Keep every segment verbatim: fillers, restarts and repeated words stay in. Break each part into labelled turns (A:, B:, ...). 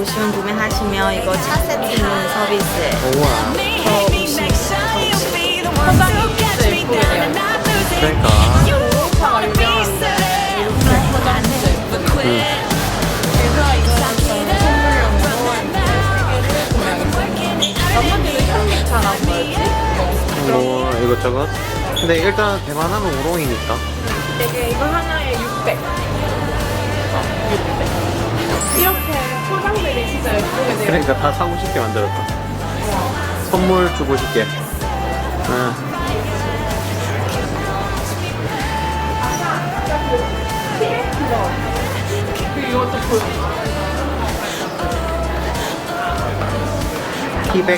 A: 오시면 구매하시면 이거 차 세트는 서비스예요.
B: 우와.
A: 저 오십,
C: 포장이 진짜 예쁘게 돼요.
B: 그러니까.
C: 차가 유명한데 이렇게 포장 진짜 예쁘게.
B: 응.
C: 그래서 이거는 선물용으로 나머지는 현미차랑 뭐였지?
B: 뭐 이것저것. 근데 일단 대만하면 우롱이니까.
C: 되게 이거 하나에 육백. 어, 육백. 이렇게 포장들이 진짜 예쁘게 돼요.
B: 그러니까 다 사고 싶게 만들었다. 선물 주고 싶게. 응.
C: 그리고 이것도 보여.
B: 티백.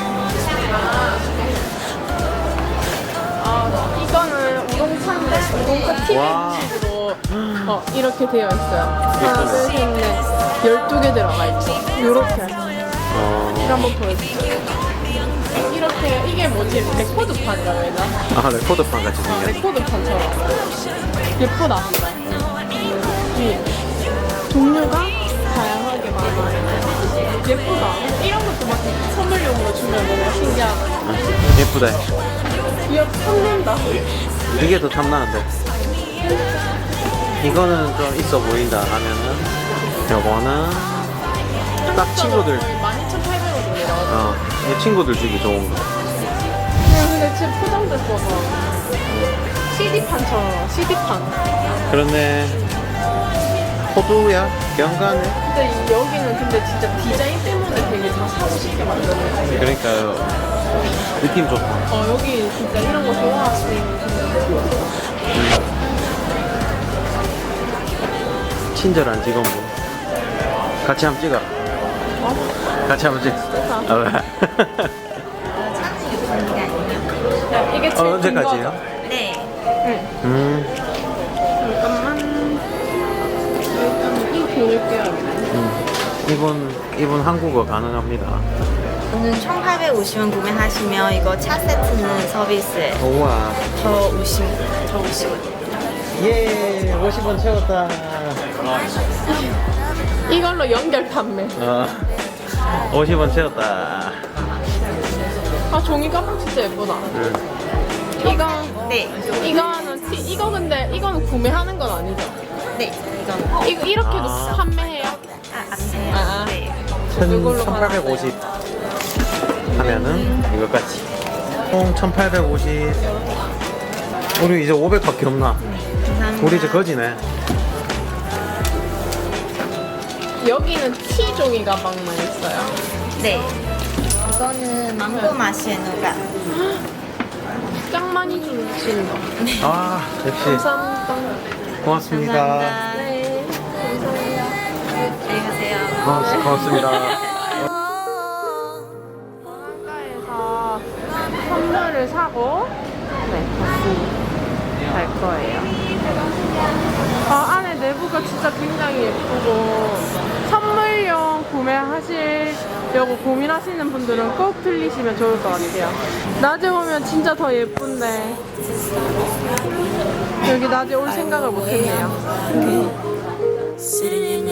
C: 아, 이거는 우동차인데 우동차
B: 와.
C: 티백식으로 어, 이렇게 되어 있어요. 하나, 둘, 셋, 넷. 열두 개 들어가 있죠. 요렇게.
B: 어.
C: 이거 한번 보여줄게요. 이렇게, 이게 뭐지? 레코드판이라고 해야 되나?
B: 아 레코드판 같이
C: 아,
B: 생겼네.
C: 레코드판처럼. 예쁘다. 이 종류가 다양하게 많아요. 예쁘다. 이런 것도 막 선물용으로 주면 너무 신기하고.
B: 예쁘다.
C: 귀엽, 탐난다.
B: 이게 더 탐나는데. 이거는 좀 있어 보인다 하면은 요거는 딱 친구들.
C: 만 이천팔백 원이래요.
B: 어, 이 친구들 주기 좋은 거.
C: 근데 지금 포장들 봐봐. 씨디판처럼, 씨디판.
B: 그런데 호두야? 경가네?
C: 근데 이- 여기는 근데 진짜 디자인 때문에 되게 다 사고 싶게 만드는 거.
B: 그러니까 느낌 좋다.
C: 어, 여기 진짜 이런 거 좋아하시는 분들.
B: 친절한 직원분. 같이 한번 찍어라.
C: 어?
B: 같이 한번 찍어.
C: 좋다.
B: 어, 왜?
A: 차는 유통기가 아니에요.
C: 야, 이게
B: 어,
C: 제일
B: 언제까지예요?
A: 네.
C: 응.
B: 음,
C: 잠깐만. 일단 이 비닐 껴야겠네.
B: 음. 이분, 이분 한국어 가능합니다.
A: 오늘 총 팔백오십 원 구매하시면 이거 차 세트는 서비스예요.
B: 우와.
A: 더 오십 원. 더 오십 원.
B: 예, 오십 원 채웠다.
C: 이걸로 연결 판매.
B: 어, 오십 원 채웠다.
C: 아, 종이 가방 진짜 예쁘다.
B: 응.
C: 이거,
A: 네.
C: 이거는, 티, 이거 근데, 이거는 구매하는 건 아니죠?
A: 네. 이건
C: 이거, 이렇게도
B: 아.
C: 판매해요?
A: 아, 안 돼요.
C: 아, 아.
A: 네.
C: 이걸로
B: 천팔백오십 하면은 이것까지 총 천팔백오십. 우리 이제 오백밖에 없나?
A: 감사합니다.
B: 우리 이제 거지네.
C: 여기는 티 종이 가방만 있어요.
A: 네. 이거는 망고 맛이의 누가.
C: 짱 많이 주신다.
B: 아 역시
C: 감사합니다.
B: 고맙습니다.
A: 감사합니다.
C: 네. 감사합니다.
A: 안녕히 가세요.
B: 어, 고맙습니다.
C: 한가에서 선물을 사고 네 다시 갈 거예요. 아, 안에 내부가 진짜 굉장히 예쁘고 선물용 구매하시려고 고민하시는 분들은 꼭 들리시면 좋을 것 같아요. 낮에 오면 진짜 더 예쁜데 여기 낮에 올 생각을 못했네요.
D: Sitting in